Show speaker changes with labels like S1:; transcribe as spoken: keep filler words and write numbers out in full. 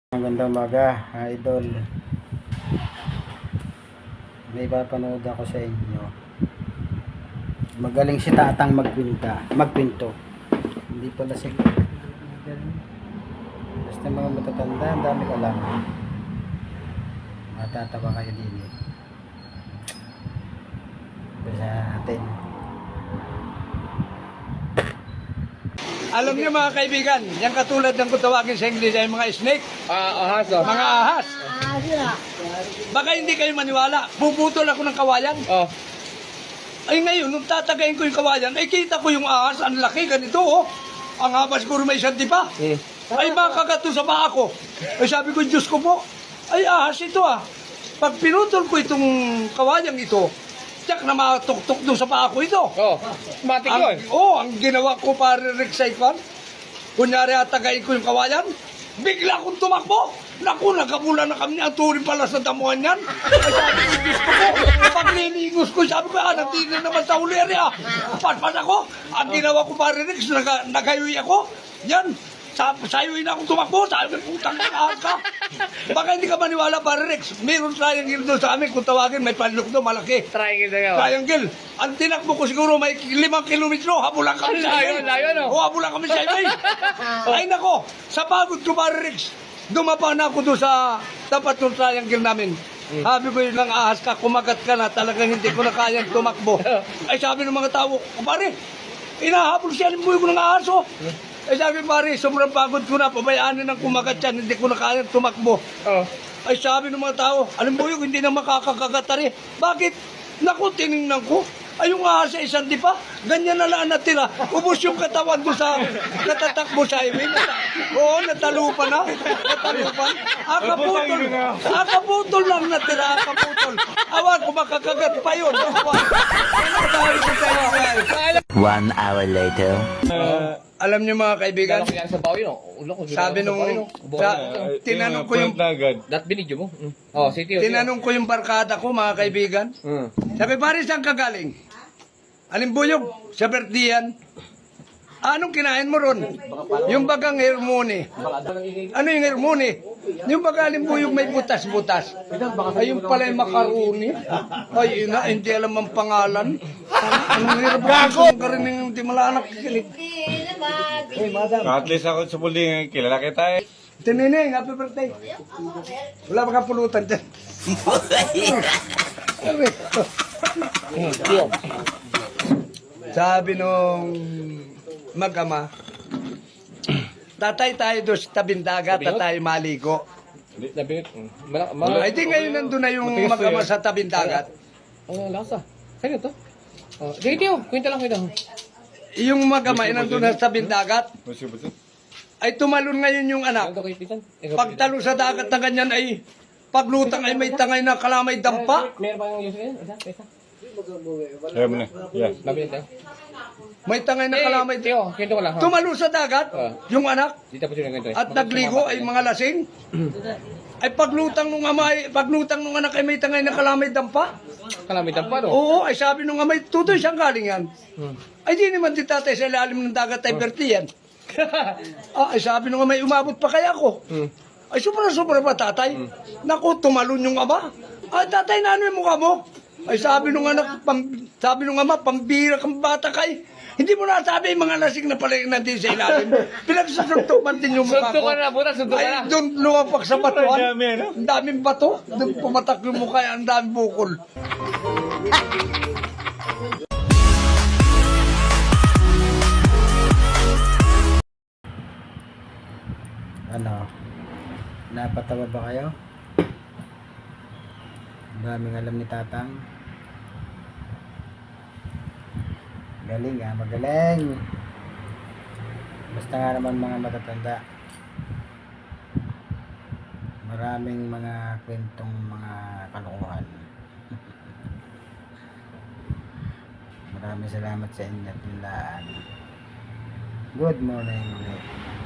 S1: Magandang umaga, idol. May papanood ako sa inyo. Magaling si Tatang magkwinta, magkwento. Hindi pala si magaling. Basta mga matatanda, ang dami alam. Matatawa kayo din eh. Basta natin.
S2: Alam niyo mga kaibigan, yung katulad ng kung tawagin sa English ay mga snake,
S3: Ah, ahas oh.
S2: mga ahas. Baka hindi kayo maniwala, bubutol ako ng kawayan.
S3: Oh.
S2: Ay ngayon, nung tatagayin ko yung kawayan, ay kita ko yung ahas, ang laki, ganito oh. Ang haba siguro may isang dipa.
S3: Hmm.
S2: Ay makakato sa paa ko. Ay sabi ko, Diyos ko po, ay ahas ito ah. Pag pinutol ko itong kawayang ito, tiyak na matuktok doon sa paa ko ito.
S3: Oh. Matik
S2: Ang,
S3: yun.
S2: oh, ang ginawa ko para recite fan, kunyari atagayin ko yung kawayan, bigla akong tumakbo. Naku, nagkabula na kami ang turin pala sa damuhan yan. Ay sabi ko, Diyos ko po, pag nilingos ko, sabi ko, ah, natigil naman sa uleri ah. Patpat ako. Ang ginawa ko para Rex, nag nagayoy ako. Yan. Sa sayoy na akong tumakbo, sabi ko, putang ahas ka. Baka hindi ka maniwala para Rex. Meron triangle doon sa amin, kung tawagin, may panlok doon, malaki.
S3: Triangle na yun.
S2: Triangle. Ang tinakbo ko siguro may limang kilometro. Habulan kami sa
S3: Layo,
S2: highway.
S3: layo, no?
S2: O, habulan kami sa highway. Ay nako, sa pagod ko para Rex, dumapa na ako doon sa tapat ng triangle namin. Sabi ko yun lang, ahas ka, kumagat ka na, talagang hindi ko na kayang tumakbo. Ay sabi ng mga tao, pare, inahabol siya, limuyo ko ng ahas oh. Ay sabi pare, sobrang pagod ko na, pabayaan na ng kumagat yan, hindi ko na kayang tumakbo.
S3: Oh.
S2: Ay sabi ng mga tao, alam mo yun, hindi na makakakagatari. Bakit? Naku, tinignan ko. Ay yung ahas sa isang dipa, ganyan na lang natira. Ubus yung katawan ko sa natatakbo sa highway. Oo, natalupan na. Natalupan. Akaputol. Akaputol lang natira, akaputol. Awan ko makakagat pa yun. Awan. Ano sabi ko sa inyo?
S4: One hour later.
S2: Uh, alam niyo mga kaibigan,
S3: Lalaki yan sa bawi, no? Ulo ko.
S2: sabi nung, sa, tinanong ko yung,
S3: Dat binidyo mo. Mm. Oh, si Tio.
S2: tinanong ko yung barkada ko mga kaibigan.
S3: Mm.
S2: Sabi, pare, saan ka galing? Alimbuyog, sa Bertian. Anong kinain mo ron? Yung bagang hermone. Ano yung hermone? Yung baga alimbuyog may butas-butas. Ay, yung pala yung makaroni. Ay, ina, hindi alam ang pangalan. Anong hirap ako? Ang karining hindi malanak. Hey, madam.
S5: At least ako sa puling, kilala kita eh.
S2: Tinineng, happy birthday. Wala ba kapulutan dyan?
S3: Tio.
S2: Sabi nung mag-ama, tatay tayo doon sa tabing dagat at tayo maligo.
S3: Nabinit. Malak, malak.
S2: Ay, di ngayon nandun na yung mag-ama sa tabing dagat.
S3: Ang lasa. Kaya to? Oh, sige Tio, kwenta lang kwenta.
S2: Yung mag-ama ay nandun na sa tabing dagat,
S5: Busi, busi.
S2: ay tumalon ngayon yung anak.
S3: Ano kay Titan?
S2: Pagtalo sa dagat na ganyan ay paglutang ay may tangay na kalamay dampa.
S3: Meron pa yung user yan? Isa? Isa?
S5: Ayaw mo na. Yeah.
S3: Nabinit tayo.
S2: May tangay na kalamay.
S3: Tio, kwento ko lang. ha?
S2: Tumalo sa dagat, yung anak,
S3: Di tapos yun ang kwento eh.
S2: at nagligo ay mga lasing. Ay paglutang nung ama ay paglutang nung anak ay may tangay na kalamay dampa.
S3: Kalamitan pa, no?
S2: Oo, ay sabi nung amay, tutoy siyang galing yan.
S3: Hmm.
S2: Ay di naman di tatay sa ilalim ng dagat ay berti yan. Ah, ay sabi nung amay, umabot pa kaya ako.
S3: Hmm.
S2: Ay sobra-sobra pa tatay. Naku, tumalon yung ama. Ay tatay, na ano yung mukha mo? Ay sabi nung anak, pam, sabi nung ama, pambira kang bata kay. Hindi mo nasabi yung mga lasing na pala yung nandun sa ilalim. Pinagsusuntukan din yung mukha ko.
S3: Suntok ka na, buta, suntok ka na.
S2: Ay, doon lumapak sa batuan.
S5: Ang dami, ano?
S2: Ang daming bato. Doon pumatak yung mukha, ang daming bukol.
S1: Ano? Napatawa ba kayo? Ang daming alam ni Tatang. Galing ah, magaling. Basta nga naman mga matatanda. Maraming mga kwentong mga kalokohan. Maraming salamat sa inyo at tinlaan. Good morning ulit.